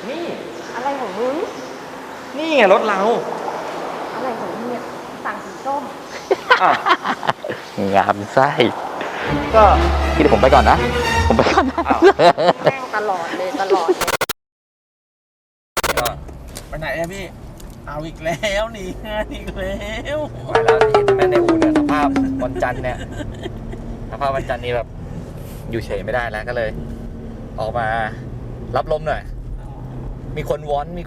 นี่อะไรของมึงนี่ไงรถเราอะไรของมึงเนี่ยสั่งสีส้มงามไส้ก็พี่เดี๋ยวผมไปก่อนนะผมไปก่อนนะแม่งตลอดเลยไปไหนอะพี่เอาอีกแล้วหนีงานอีกแล้วมาแล้วเห็นแม่ในอู่เนี่ยสภาพวันจันทร์เนี่ยสภาพวันจันทร์นี่แบบอยู่เฉยไม่ได้แล้วก็เลย ออกมารับลมหน่อยมีคนวอน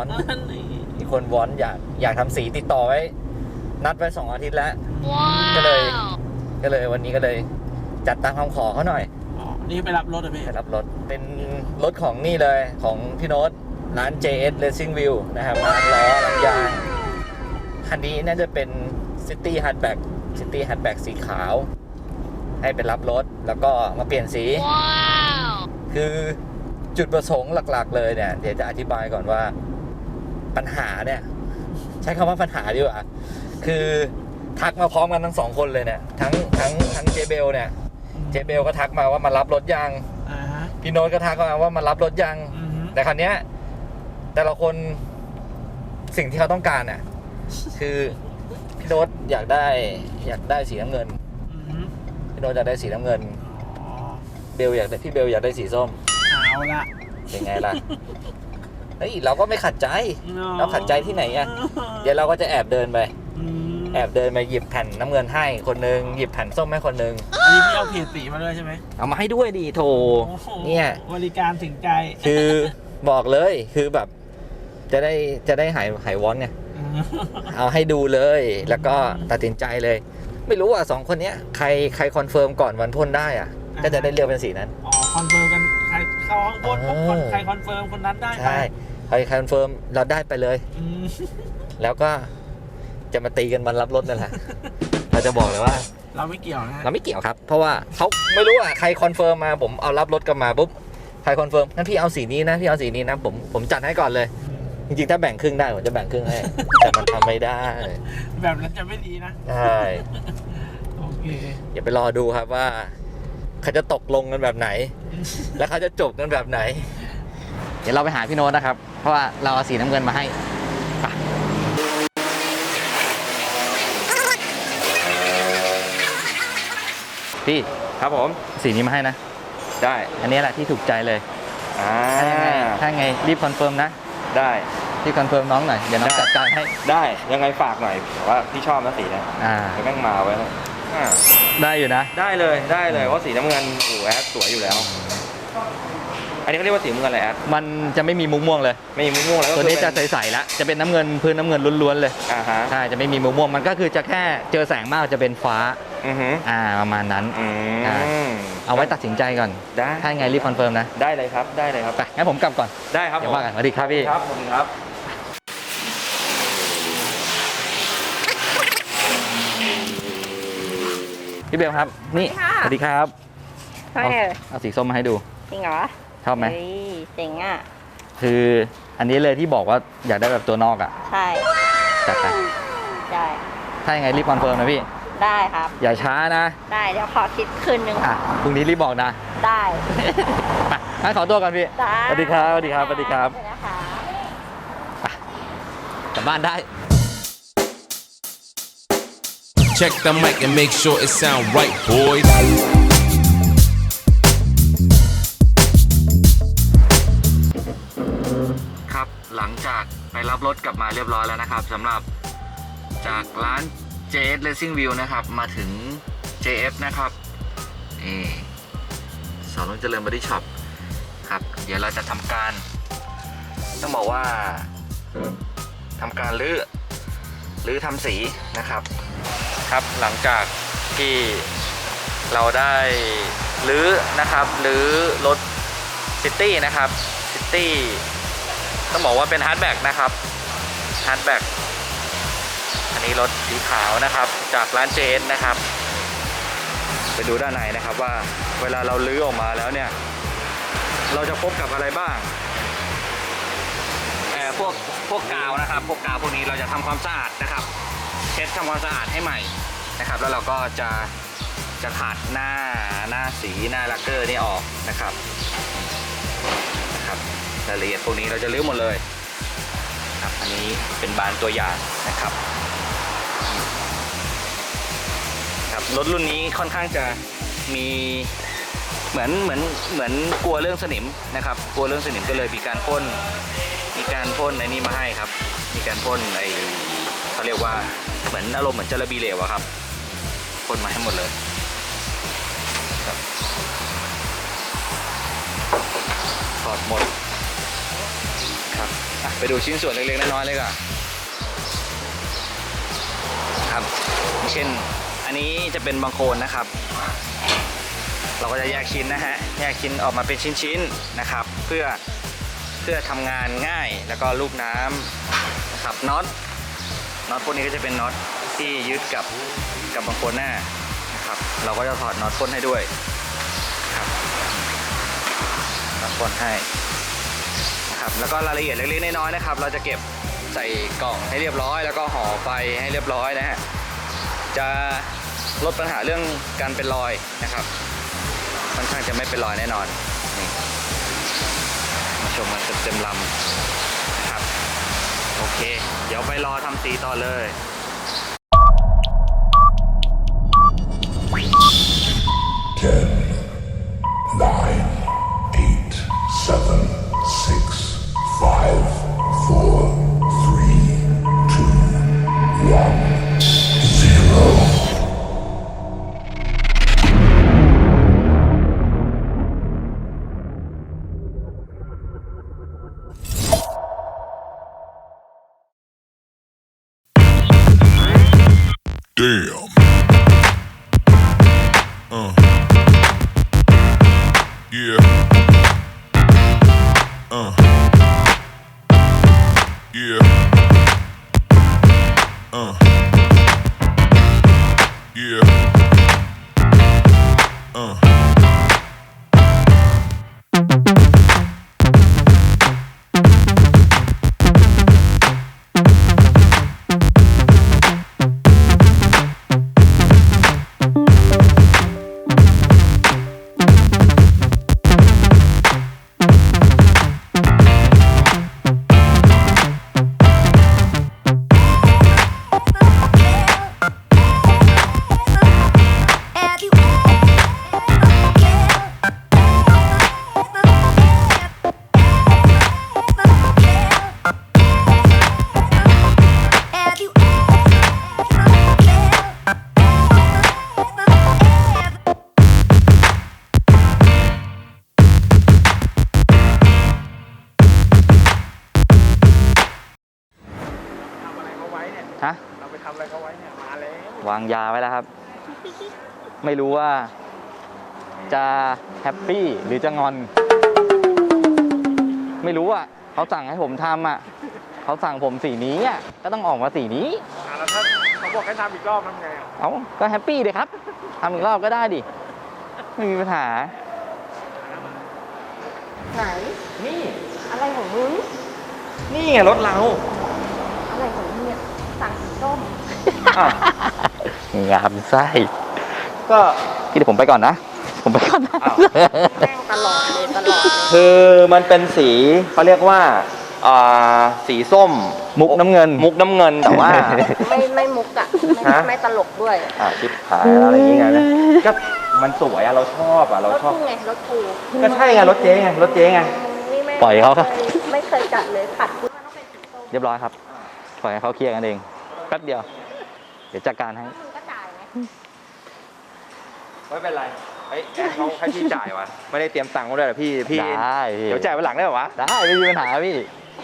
อยากทำสีติดต่อไว้นัดไว้2 อาทิตย์แล้วก็เลยวันนี้ก็เลยจัดตามคำขอเขาหน่อยนี่ไปรับรถเหรอพี่ไปรับรถเป็นรถของนี่เลยของพี่โน้ตร้าน JS Racing View นะครับร้านล้อร้านยางคันนี้น่าจะเป็น City Hatchback สีขาวให้ไปรับรถแล้วก็มาเปลี่ยนสีคือจุดประสงค์หลักๆเลยเนี่ยเดี๋ยวจะอธิบายก่อนว่าปัญหาเนี่ยใช้คำว่าปัญหาดีกว่าคือทักมาพร้อมกันทั้ง2 คนเลยเนี่ยทั้งเจเบลเนี่ยเจเบลก็ทักมาว่ามารับรถยังพี่โน้ตก็ทักมาว่ามารับรถยังแต่คราวเนี้ยแต่ละคนสิ่งที่เขาต้องการน่ะคือพี่โน้ตอยากได้สีน้ำเงินพี่โน้ตอยากได้สีน้ำเงินพี่เบลอยากได้สีส้มเอาละเป็นไงล่ะเฮ้ยเราก็ไม่ขัดใจเราขัดใจที่ไหนอ่ะเดี๋ยวเราก็จะแอบเดินไปหยิบแผ่นน้ำเงินให้คนนึงหยิบแผ่นส้มให้คนนึงอันนี้พี่เอาเพจสีมาด้วยใช่ไหมเอามาให้ด้วยดิโถเนี่ยบริการถึงใจคือบอกเลยคือแบบจะได้หายวอนเนี่ยเอาให้ดูเลยแล้วก็ตัดสินใจเลยไม่รู้อ่ะ2 คนเนี้ยใครคอนเฟิร์มก่อนวันพ่นได้อ่ะก็จะได้เลือกเป็นสีนั้นคอนเฟิร์มกันใครเข้าห้องพ่นปุ๊บใครคอนเฟิร์มคนนั้นได้ใช่ใครคอนเฟิร์มเราได้ไปเลยแล้วก็จะมาตีกันวันรับรถนั่นแหละเราจะบอกเลยว่าเราไม่เกี่ยวนะเราไม่เกี่ยวครับเพราะว่าเขาไม่รู้อ่ะใครคอนเฟิร์มมาผมเอารับรถกลับมาปุ๊บใครคอนเฟิร์มงั้นพี่เอาสีนี้นะพี่เอาสีนี้นะผมจัดให้ก่อนเลยจริงๆถ้าแบ่งครึ่งได้ผมจะแบ่งครึ่งให้แต่มันทำไม่ได้แบบนั้นจะไม่ดีนะใช่โอเคอย่าไปรอดูครับว่าเขาจะตกลงกันแบบไหนแล้วเขาจะจบกันแบบไหนเดี๋ยวเราไปหาพี่โน้ตนะครับเพราะว่าเราเอาสีน้ำเงินมาให้พี่ครับผมสีนี้มาให้นะได้อันนี้แหละที่ถูกใจเลยถ้าไงรีบคอนเฟิร์มนะได้รีบคอนเฟิร์มน้องหน่อยเดี๋ยวน้องจัดการให้ได้ยังไงฝากหน่อยว่าพี่ชอบนะสีนี้แม่งมาไว้ได้อยู่นะได้เลยเพราะสีน้ำเงินโอ้แอดสวยอยู่แล้วอันนี้เขาเรียกว่าสีน้ำเงินอะไรแอดมันจะไม่มีมุกม่วงเลยไม่มีมุกม่วงแล้วตัวนี้จะใสๆแล้วจะเป็นน้ำเงินพื้นน้ำเงินล้วนๆเลยใช่จะไม่มีมุกม่วงมันก็คือจะแค่เจอแสงมากจะเป็นฟ้าประมาณนั้นเอาไว้ตัดสินใจก่อนได้ถ้าไงรีบคอนเฟิร์มนะได้เลยครับไปงั้นผมกลับก่อนได้ครับเดี๋ยวว่ากันสวัสดีครับพี่ครับผมครับพี่เบลครับนี่สวัสดีครับเอาสีส้มมาให้ดูจริงเหรอชอบไหมเจ๋งอ่ะคืออันนี้เลยที่บอกว่าอยากได้แบบตัวนอกอ่ะใช่จัดไปได้ถ้ายังไงรีบคอนเฟิร์มนะพี่ได้ครับอย่าช้านะได้เดี๋ยวขอคิดคืนนึงพรุ่งนี้รีบบอกนะได้ไปงั้นขอตัวกันพี่สวัสดีครับสวัสดีครับกลับบ้านได้ Check the mic and make sure it sound right, boys. ครับหลังจากไปรับรถกลับมาเรียบร้อยแล้วนะครับสำหรับจากร้าน JS Racing View นะครับมาถึง JF นะครับนี่สอนรุ่งเจริญบอดี้ช็อปครับเดี๋ยวเราจะทำการต้องบอกว่าทำการรื้อทำสีนะครับหลังจากที่เราได้รื้อรถซิตี้นะครับซิตี้ต้องบอกว่าเป็นฮาร์ดแบ็กนะครับฮาร์ดแบ็กอันนี้รถสีขาวนะครับจากร้าน JS นะครับไปดูด้านในนะครับว่าเวลาเรารื้อออกมาแล้วเนี่ยเราจะพบกับอะไรบ้างพวกกาวนะครับพวกกาวพวกนี้เราจะทำความสะอาดนะครับเช็ดทำความสะอาดให้ใหม่นะครับแล้วเราก็จะขัดหน้าสีหน้าลักเกอร์นี่ออกนะครับรายละเอียดพวกนี้เราจะลื้อหมดเลยครับอันนี้เป็นบานตัวอย่างนะครับครับรถรุ่นนี้ค่อนข้างจะมีเหมือนกลัวเรื่องสนิมนะครับกลัวเรื่องสนิมก็เลยมีการพ่นไอ้นี่มาให้ครับมีการพ่นไอ้เขาเรียกว่าเหมือนอารมณ์เหมือนจาระบีเหลวอะครับพ่นมาให้หมดเลยครับถอดหมดครับไปดูชิ้นส่วนเล็กๆน้อยๆเลยก่อนครับเช่นอันนี้จะเป็นบางโคลนนะครับเราก็จะแยกชิ้นนะฮะแยกชิ้นออกมาเป็นชิ้นๆนะครับเพื่อทำงานง่ายแล้วก็ลูกน้ำนะครับน็อตพวกนี้ก็จะเป็นน็อตที่ยึดกับบางโคลนหน้านะครับเราก็จะถอดน็อตพ่นให้ด้วยครับน็อตพ่นให้นะครับแล้วก็รายละเอียดเล็กๆน้อยๆนะครับเราจะเก็บใส่กล่องให้เรียบร้อยแล้วก็ห่อไฟให้เรียบร้อยนะฮะจะลดปัญหาเรื่องการเป็นรอยนะครับค่อนข้างจะไม่เป็นรอยแน่นอนนี่มาชมกันเต็มลำนะครับโอเคเดี๋ยวไปรอทำสีต่อเลย 10, 9, 8, 7, 6, 5, 4, 3, 2, 1, 0. Damn. Yeah. Yeah. ฮะเราไปทำอะไรเขาไว้เนี่ยมาแล้ววางยาไว้แล้วครับ ไม่รู้ว่าจะแฮปปี้หรือจะงอน ไม่รู้อ่ะเขาสั่งให้ผมทำอ่ะเขาสั่งผมสีนี้อ่ะก็ต้องออกมาสีนี้แล้วถ้าเขาบอกให้ทำอีกรอบทำไงอ่ะเอาก็แฮปปี้เลยครับทำอีกรอบก็ได้ดิไม่มีปัญหาไหนนี่อะไรของมึงนี่ไงรถเราอะไรของมึงเนี่ยสั่งสีส้มงามไส้ก็พี่เดี๋ยวผมไปก่อนนะ ผมไปก่อนนะแม่งตลอดเลยตลอดเลยคือมันเป็นสีเขาเรียกว่าสีส้มมุกน้ำเงินมุกน้ำเงินแต่ว่าไม่มุกอ่ะฮะไม่ตลกด้วยชิบหายอะไรอย่างเงี้ยนะก็มันสวยอะเราชอบอะเรารถชอบกูไงรถกูก็ใช่ไงรถเจ๊ไงรถเจ๊ไงนี่แม่งปล่อยเขาครับไม่เคยจัดเลยขัดกูต้องเป็นสีส้มเรียบร้อยครับปล่อยให้เขาเคลียร์กันเองแป๊บเดียว เดี๋ยวจัดการให้มึงก็จ่ายไงไม่เป็นไรเฮ้ยแอดเขาให้พี่จ่ายวะไม่ได้เตรียมตังค์มาด้วยเหรอพี่ได้พี่เดี๋ยวจ่ายวันหลังได้เหรอวะได้ไม่มีปัญหาพี่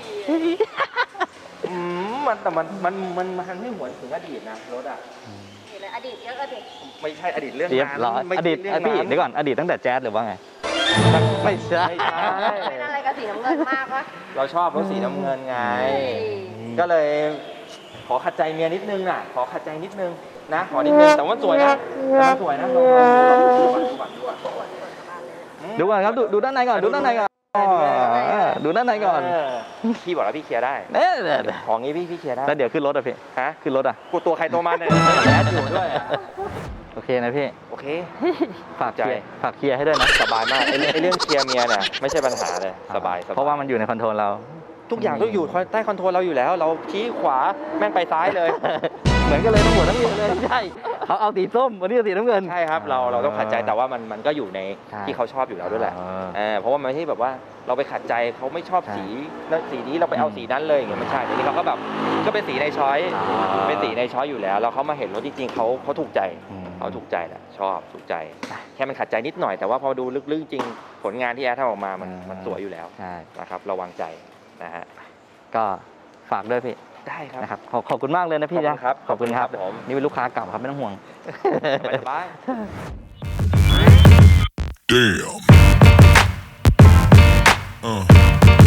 แต่มันไม่หวนถึงอดีตนะรถอะนี่เลยอดีตเยอะอดีตไม่ใช่อดีตเรื่องเรียบนั้นร้อยไม่อใช่ดีตเรื่องพี่นั้นเดี๋ยวก่อนอดีตตั้งแต่แจ๊สหรือว่าไง ไม่ใช่ไม่ใช่เป็นอะไรกับสีน้ำเงินมากวะเราชอบรถสีน้ำเงินไงเฮ้ยก็เลยขอขัดใจเมียนิดนึงน่ะ ขอขัดใจนิดนึงนะขอนิดนึงแต่ว่าสวยนะแต่ว่าสวยนะลองดูก่อนดูก่อนครับดูด้านในก่อนดูด้านในก่อนดูด้านในก่อนพี่บอกแล้วพี่เคลียร์ได้เนี่ยของงี้พี่เคลียร์ได้แล้วเดี๋ยวขึ้นรถอ่ะพี่ฮะขึ้นรถอ่ะกูตัวใครตัวมันเนี่ยแอดอยู่ด้วยโอเคนะพี่โอเคฝากเคลียร์ให้ด้วยนะสบายมากไอ้เรื่องเคลียร์เมียเนี่ยไม่ใช่ปัญหาเลยสบายเพราะว่ามันอยู่ในคอนโทรลเราทุกอย่างต้องอยู่ใต้คอนโทรลเราอยู่แล้ว เราชี้ขวาแม่งไปซ้ายเลยเหมือนกันเลยทั้งหมดทั้งเมียเลยใช่เขาเอาสีส้มวันนี้เอาสีน้ำเงินใช่ครับเราต้องขัดใจแต่ว่ามันก็อยู่ในใช่ที่เขาชอบอยู่แล้วด้วยแหละอ่าเพราะว่ามันไม่ใช่แบบว่าเราไปขัดใจเขาไม่ชอบใช่สีแล้วสีนี้เราไปเอาสีนั้นเลยอย่างเงี้ยไม่ใช่ทีนี้เราก็แบบก็เป็นสีในช้อยอ่าเป็นสีในช้อยอยู่แล้วแล้วเขามาเห็นรถจริงๆเขาถูกใจอืมเขาถูกใจแหละชอบถูกใจ แค่มันขัดใจนิดหน่อยแต่ว่าพอดูลึกๆจริงผลงานที่แอดทำออกมามันสวยอยู่แล้วใช่นะครับระวังใจนะฮะก็ฝากด้วยพี่ได้ครับนะครับขอบคุณมากเลยนะพี่ขอบคุณนะครับ ขอบคุณครับขอบคุณครับผมนี่เป็นลูกค้าเก่าครับไม่ต้องห่วงสบาย Damn.